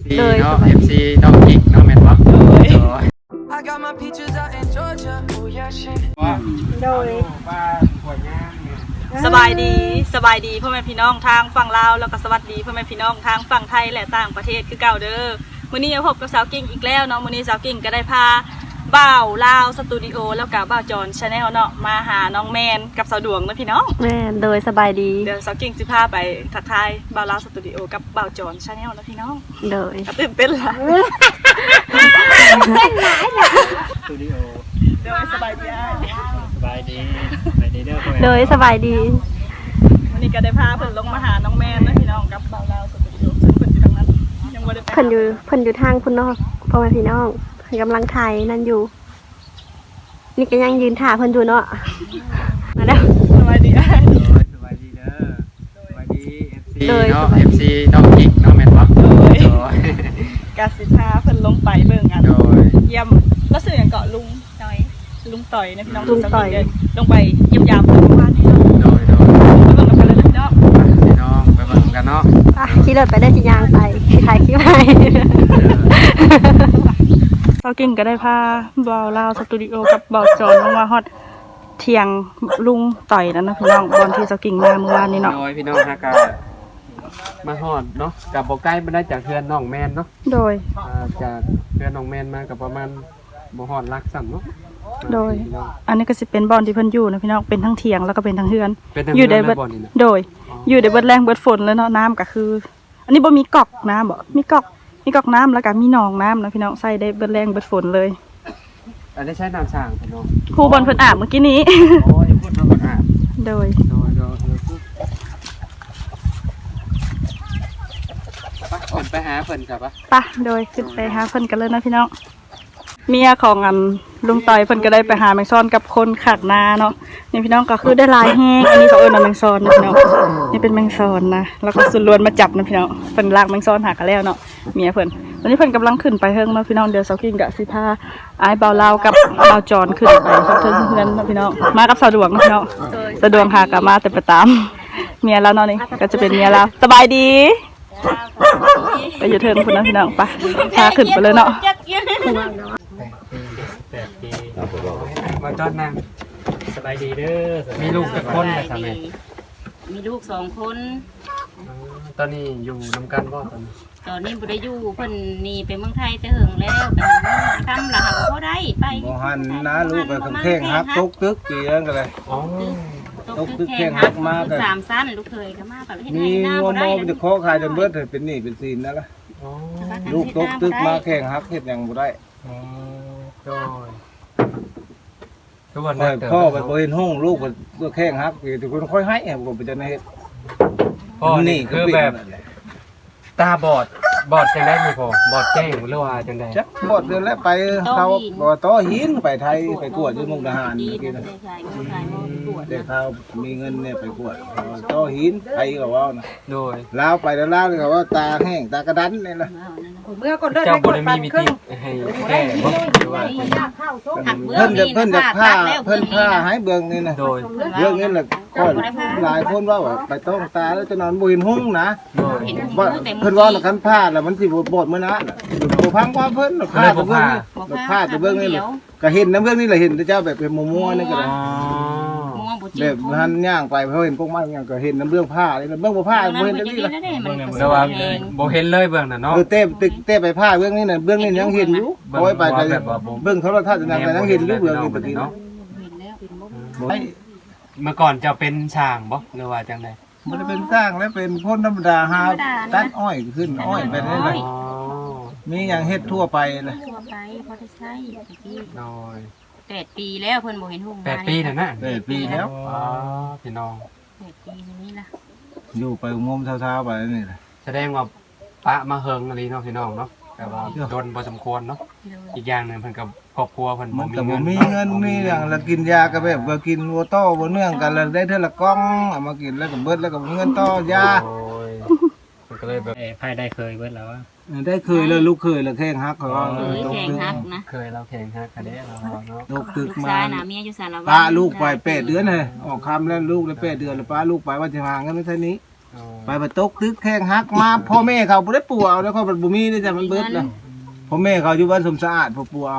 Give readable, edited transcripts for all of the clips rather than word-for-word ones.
เลยเนาะ FC น้องกิ๊กน้องแมนบ๊อบโดยสบายดีพ่อแม่พี่น้องทางฝั่งลาวแล้วก็สวัสดีพ่อแม่พี่น้องทางฝั่งไทยและต่างประเทศคือเก่าเด้อมื้อนี้พบกับสาวกิ่งอีกแล้วเนาะมื้อนี้สาวกิ่งก็ได้พาบ่าวลาวสตูดิโอแล้วก็บ่าวจอนชาแนลเนาะมาหาน้องแมนกับสาวดวงเนาะพี่น้องแม่โดยสบายดีเดี๋ยวสาวกิ่งสิพาไปทักทายบ่าวลาวสตูดิโอกับบ่าวจอนชาแนลเนาะพี่น้องโดยตื่นเต้นละสตูดิโอโดยสบายดีเด้อโดยสบายดีวันนี้ก็ได้พาเพิ่นลงมาหาน้องแมนนะพี่น้องกับบ่าวลาวสตูดิโอซึ่งเพิ่นอยู่ทางนั้นยังบ่ได้ไปเพิ่นอยู่ทางคุณนอกพ่อแม่พี่น้องเพิ่นกำลังถ่ายนั่นอยู่นี่ก็ยังยืนถ่าเพิ่นอยู่เนาะมาแล้วสบายดีสบายดีเด้อสบายดี FC เนาะ FC น้องกิ๊กน้องแมนบ๊อบกาสิพาเพิ่นลงไปเบิ่งกันเยี่ยมแล้วสื่ออย่างเกาะลุงต่อยนะพี่น้องลุงต่อยลงไปเยี่ยมยามเมื่อวานนี้โดยไปเบิ่งกันเลยเนาะพี่น้องไปเบิ่งกันเนาะขี่รถไปได้สิยางไปถ่ายคลิปให้เซากิ่งก็ได้พาบ่าวลาวสตูดิโอกับบ่าวจอนลงมาฮอดเที่ยงลุงต่อยนั่นนะพี่น้องบอนที่เซากิ่งมาเมื่อวานนี้เนาะโดยพี่น้องฮะก็มาฮอดเนาะกับบ่ใกล้บ่ได้จากเฮือนน้องแมนเนาะโดยจากเฮือนน้องแมนมากับประมาณบ่ฮอดลักซ้ํเนาะโดยอันนี้ก็สิเป็นบอนที่เพิ่นอยู่นะพี่น้องเป็นทั้งเที่ยงแล้วก็เป็นทั้งเฮือนอยู่ได้เบิดโดยอยู่ได้เบิดแรงเบิดฝนแล้วเนาะน้ำก็คือ อันนี้บ่มีก๊อกน้ำบ่มีก๊อกน้ำแล้วก็มีหนองน้ำนะพี่น้องใส่ได้เบิดแรงเบิดฝนเลยอันนี้ใช้น้ำสร้างพี่น้องครูบอลเพิ่นอาบเมื่อกี้นี้โอ้ยพูดเพิ่นอาบโดยไปหาเพิ่นครับปะโดยขึ้นไปหาเพิ่นกันเลยนะพี่น้องเมียของลุงต่อยเพิ่นก็ได้ไปหาแมงซอนกับคนขัดนาเนาะนี่พี่น้องก็คือได้ลายแห้งอันนี้เขาเอิ้นว่าแมงซอนนะพี่น้องนี่เป็นแมงซอนนะแล้วก็สุดล้วนมาจับนะพี่น้องเพิ่นลากแมงซอนหากันแล้วเนาะเมียเพิ่นตอนนี้เพิ่นกำลังขึ้นไปเฮิงเนาะพี่น้องเดี๋ยวเซากิ้งกับสิพาอ้ายบ่าวลาวกับบ่าวจอนขึ้นไปเทิงเฮือนเนาะพี่น้องมากับสะดวกนะพี่น้องสะดวกหากับมาแต่ประตามเมียแล้วเนาะนี่ก็จะเป็นเมียแล้วสบายดีไปอยู่เทิงพุ่นนะพี่น้องไปพาขึ้นไปเลยเนาะมาจอดนั่งสบายดีเด้อมีลูกกี่คนแต่ทำไมมีลูก2 คนตอนนี้อยู่นำกันบ่ตอนนี้บ่ได้อยู่เพิ่นหนีไปเมืองไทยแต่เหิงแล้วไปทำละหักบ่ได้ไปบ่หันนะลูกไปแข่งฮักตกตึกกี่อันกันเลยตกตึกแข่งฮักมากัน3ชั้นลูกเคยก็มาแบบเฮ็ดให้หน้าบ่ได้มีจะขอขายจนเบิดเป็นหนี้เป็นสินนั่นล่ะลูกตกตึกมาแข่งฮักเฮ็ดหยังบ่ได้พ่อไปบ่เห็นห้องลูกก็แข่งฮักทุกคนค่อยให้บ่ไปจะเฮ็ดพ่อนี่คือแบบตาบอดจังได้มีพ่อบอดแจ้งหรือว่าจังได้จักบอดเดือนแล้วไปเขาบ่ต่อหินไปไทยไปกวดที่มุกดาหารเมื่อกี้นะเด็กเขามีเงินเนี่ยไปกวดต่อหินไทยก็ว่านะโดยลาวไปแล้วลาวเขาว่าตาแห้งตากระดันนี่ล่ะเจ้าบ่ได้มีมิติให้แก้บ่ว่าเพิ่นจะผ้าให้เบิ่งนี่นะโดยเรื่องนี้แหละก็หลายคนว่าไปต้องตาแล้วจะนอนบ่เห็นหุ้งนะว่าเพิ่นว่าคันผ้าแล้วมันสิบ่บดมื้อนะบ่พังว่าเพิ่นผ้าตัวเบิ่งนี่ผ้าตัวเบิ่งนี่ก็เห็นน้ำเบิ่งนี่แหละเห็นแต่เจ้าแบบเป็นมัวๆนี่ก็ได้แบบหันย่างไปเพราะเห็นพวกมันย่างก็เห็นน้ำเบื้องผ้าเลยเบื้องผ้าบ่เห็นจังซี่ล่ะแต่ว่าบ่เห็นเลยเบื้องน่ะเนาะเต้ไปผ้าเบื้องนี้น่ะเบื้องนี้ยังเห็นอยู่โอ้ยไปก็เบื้องโทรทัศน์นั่นก็ยังเห็นอยู่เบื้องนี้ตะกี้เนาะเมื่อก่อนจะเป็นช่างบ่หรือว่าจังได๋บ่ได้เป็นสร้างแล้วเป็นคนธรรมดาหาตัดอ้อยขึ้นอ้อยไปได้เลยมีหยังเฮ็ดทั่วไปเลยทั่วไปพอได้ใช้ตะกี้น้อย 8 ปีแล้วเพิ่นบ่เห็นหุ้ง 8 ปีนั่นน่ะ 8 ปีแล้วพี่น้อง 8 ปีนี่ล่ะอยู่ไปงมเช้าๆไปนี่แหละแสดงว่าปะมาเฮิงอะไรเนาะพี่น้องเนาะแต่ว่าโดนพอสมควรเนาะอีกอย่างนึงเพิ่นกับครอบครัวเพิ่นบ่มีเงินมีอย่างละกินยาก็แบบว่ากินวัวโตบ่เนื่องกันแล้วได้เท่าละก้องเอามากินแล้วก็เบิดแล้วก็เงินต่อยามันก็เลยแบบไผได้เคยเบิดแล้วได้เคยเลยลูกเคยแล้วแข่งฮักเขาแข่งฮักนะเคยเราแข่งฮักกันได้เราเนาะตกตึกมาเมียอยู่สารวัตรป้าลูกไป8 เดือนเลยออกคำแล้วลูกได้8 เดือนแล้วป้าลูกไปว่าจะหาเงินเท่านี้ไปตกตึกแข้งหักมาพ่อแม่เขาบ่ได้ปู่เอาแล้วเขาบ่มีได้จ้ะมันเบิดแล้วพ่อแม่เขาอยู่บ้านสมสะอาดพ่อปู่เอา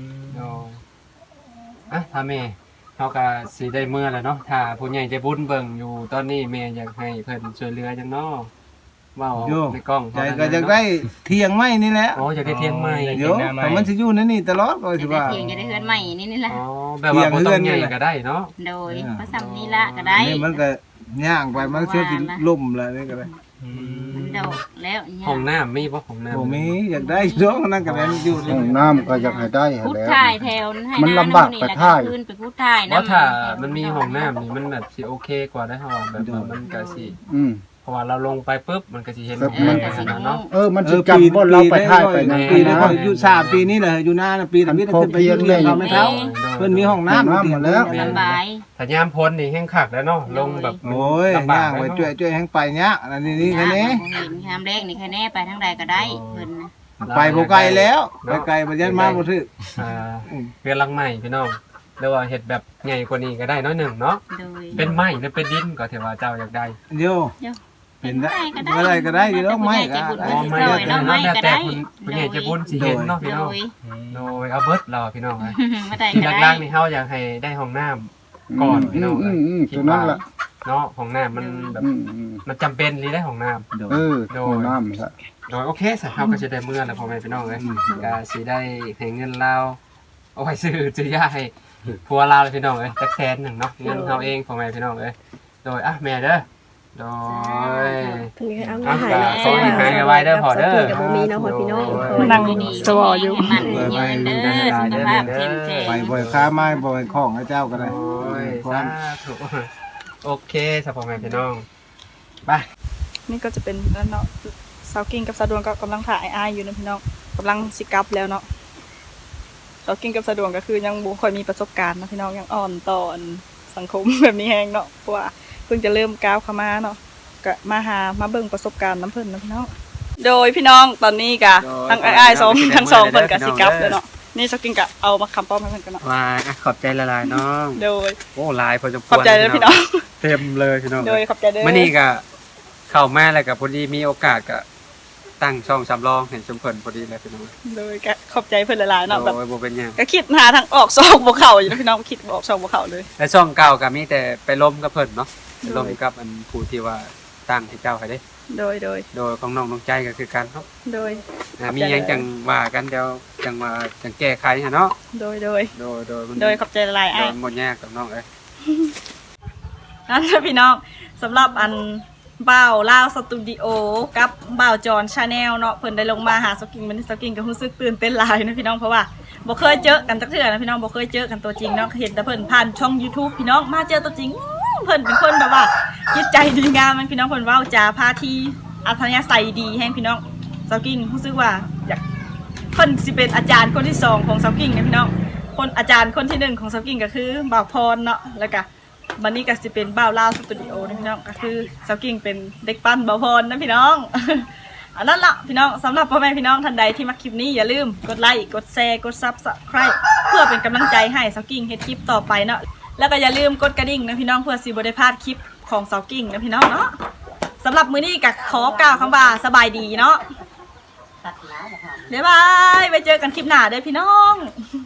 ถ้าแม่เขาก็สิได้เมื่อแล้วเนาะถ้าผู้ใหญ่ใจบุญเบิ่งอยู่ตอนนี้แม่อยากให้เพิ่นช่วยเหลือจังเนาะเว้าในกล้องใจก็อยากได้เที่ยงไม้นี่แหละอ๋ออยากได้เที่ยงใหม่เดี๋ยวมันสิอยู่ในนี่ตลอดก็สิว่าเพียงจะได้เฮือนใหม่นี่แหละอ๋อแบบว่าบ่ต้องใหญ่ก็ได้เนาะโดยพระสัมนี่ละก็ได้นี่มันก็ย่างไปมันเชื่อสิล่มแล้วนี่ก็ได้มันดอกแล้วห้องน้ำมีบ่ห้องน้ำบ่มีอยากได้ช่วงนั้นก็ได้อยู่ห้องน้ำก็อยากให้ได้พุทแล้วถ่ายแถวให้มันลำบากไปถ่ายขึ้นไปพุทถ่ายเพราะถ้ามันมีห้องน้ำนี่มันแบบสิโอเคกว่าได้เฮาแบบว่ามันก็สิ เพราะว่าเราลงไปปุ๊บมันก็สิเห็นมันก็สิเนาะมันสิจำบ่เราไปถ่ายไปนั่นปีปีนี้นะก็อยู่3ปีนี้แหละอยู่หน้าปีนี้ขึ้นไปอยู่เรื่องเขาไม่เท่าเพิ่นมีห้องน้ำหมดแล้วสบายถ้ายามพ้นนี่แห้งคักแล้วเนาะลงแบบโอ้ยย่างไว้ช่วยแห้งไปเนี้ยอันนี้แค่นี้เห็นคำแรกนี่แค่แน่ไปทางใดก็ได้เพิ่นไปบ่ไกลแล้วไปไกลบ่ยันมาบ่ถึกเรือนหลังใหม่พี่น้องหรือว่าเฮ็ดแบบใหญ่กว่านี้ก็ได้น้อยหนึ่งเนาะโดยเป็นไม้หรือเป็นดินก็ถือว่าเจ้าอยากได้เดี๋ยวเป็นได้ก็ได้ดีแล้วไม่ก็อ๋อไม่ได้เนาะแล้วแต่คุณใหญ่จะบุญสิเห็นเนาะพี่น้อง โดยเอาเบิดเราพี่น้องนะมาได้ที่ก็หได้ลักๆนี่เฮาอยากให้ได้ห้องน้ำก่อนพี่น้องตัวนั้นล่ะเนาะห้องน้ำมันแบบมันจำเป็นหรือได้ห้องน้ำห้องน้ำซะโดยโอเคสักเฮาก็จะได้เมื่อแล้วพ่อแม่พี่น้องเลยก็สิได้ให้เงินเราเอาไว้ซื้อยาให้ผัวเราเลยพี่น้องเลยจัก100,000เนาะเงินเฮาเองพ่อแม่พี่น้องเลยโดยแม่เด้อโดยเพิ่นก็เอาเงินหายเนาะขอให้หายไวๆเด้อพ่อเด้อกับบ่มีเนาะพ่อพี่น้องนั่งสวออยู่มันยืนเด้อสุขภาพเข้มแข็งไปบ่อยค้าไม้บ่อยของให้เจ้าก็ได้โอ้ยสาธุโอเคสำหรับพ่อแม่พี่น้องไปนี่ก็จะเป็นแล้วเนาะสาวกิ้งกับสาวดวงก็กำลังถ่ายอ้ายอยู่นะพี่น้องกำลังสิกลับแล้วเนาะสาวกิ้งกับสาวดวงก็คือยังบ่ค่อยมีประสบการณ์นะพี่น้องยังอ่อนต่อสังคม แบบนี้แฮงเนาะเพราะว่าเพิ่งจะเริ่มก้าวเข้ามาเนาะก็มาเบิ่งประสบการณ์น้ำเพิ่นนะพี่น้องโดยพี่น้องตอนนี้ก็ทั้งอ้ายๆทั้งสองเพิ่นก็สิกลับแล้วเนาะนี่สาวกิ้งก็เอามาคำป้อมให้เพิ่นกันเนาะว่าขอบใจละลายน้องโดยโอ้ลายพอจะขอบใจเลยพี่น้องเต็มเลยพี่น้องโดยขอบใจเด้อมื่อนี้ก็เข้ามาแล้วก็พอดีมีโอกาสก็ตั้งช่องสำรองเห็นชมเพิ่นพอดีเลยพี่น้องโดยก็ขอบใจเพิ่นหลายๆเนาะแบบโอ้ยบ่เป็นหยังก็คิดหาทางออกซอกบ่เข้าอยู่นะพี่น้องคิดบ่ออกซอกบ่เข้าเลยและช่องเก่าก็มีแต่ไปล้มกับเพิ่นเนาะไปล้มกับอันผู้ที่ว่าตั้งให้เจ้าให้เด้โดยโดยของน้องน้องใจก็คือกันเนาะโดยมีหยังจังว่ากันเดี๋ยวจังว่าจังแก้ไขหะเนาะโดยโดยมันโดยขอบใจหลายๆโดอ้ายยหมดยากกับน้องเอ้ยนั่นแหละพี่น้องสำหรับอันบ่าวลาวสตูดิโอกับบ่าวจอนชาแนลเนาะเพิ่นได้ลงมาหาสกิ้งมันสกิ้งก็รู้สึกตื่นเต้นหลายนะพี่น้องเพราะว่าบ่เคยเจอกันจักเทื่อนะพี่น้องบ่เคยเจอกันตัวจริงเนาะเห็นแต่เพิ่นผ่านช่อง YouTube พี่น้องมาเจอตัวจริงเพิ่นเป็นคนแบบว่าจิตใจดีงามมันพี่น้องเพิ่นเว้าจาพาทีอัธยาศัยดีแฮงพี่น้องสกิ้งรู้สึกว่าอยากเพิ่นสิเป็นอาจารย์คนที่สองของสกิ้งนะพี่น้องคนอาจารย์คนที่หนึ่งของสกิ้งก็คือบ่าวพรเนาะแล้วก็วันนี้ก็จะเป็นบ่าวลาวสตูดิโอนะพี่น้องก็คือสาวกิ้งเป็นเด็กปั้นบ่าวพรนะพี่น้อง อันนั้นละพี่น้องสำหรับพ่อแม่พี่น้องท่านใดที่มาคลิปนี้อย่าลืมกดไลค์กดแชร์กดซับสไครต์เพื่อเป็นกำลังใจให้สาวกิ้งเฮ็ดคลิปต่อไปเนาะแล้วก็อย่าลืมกดกระดิ่งนะพี่น้องเพื่อสิบ่ได้พลาดคลิปของสาวกิ้งนะพี่น้องเนาะสำหรับมื้อนี้ก็ขอกล่าวคำว่าสบายดีเนาะบ๊ายบายไว้เจอกันคลิปหน้าเด้อพี่น้อง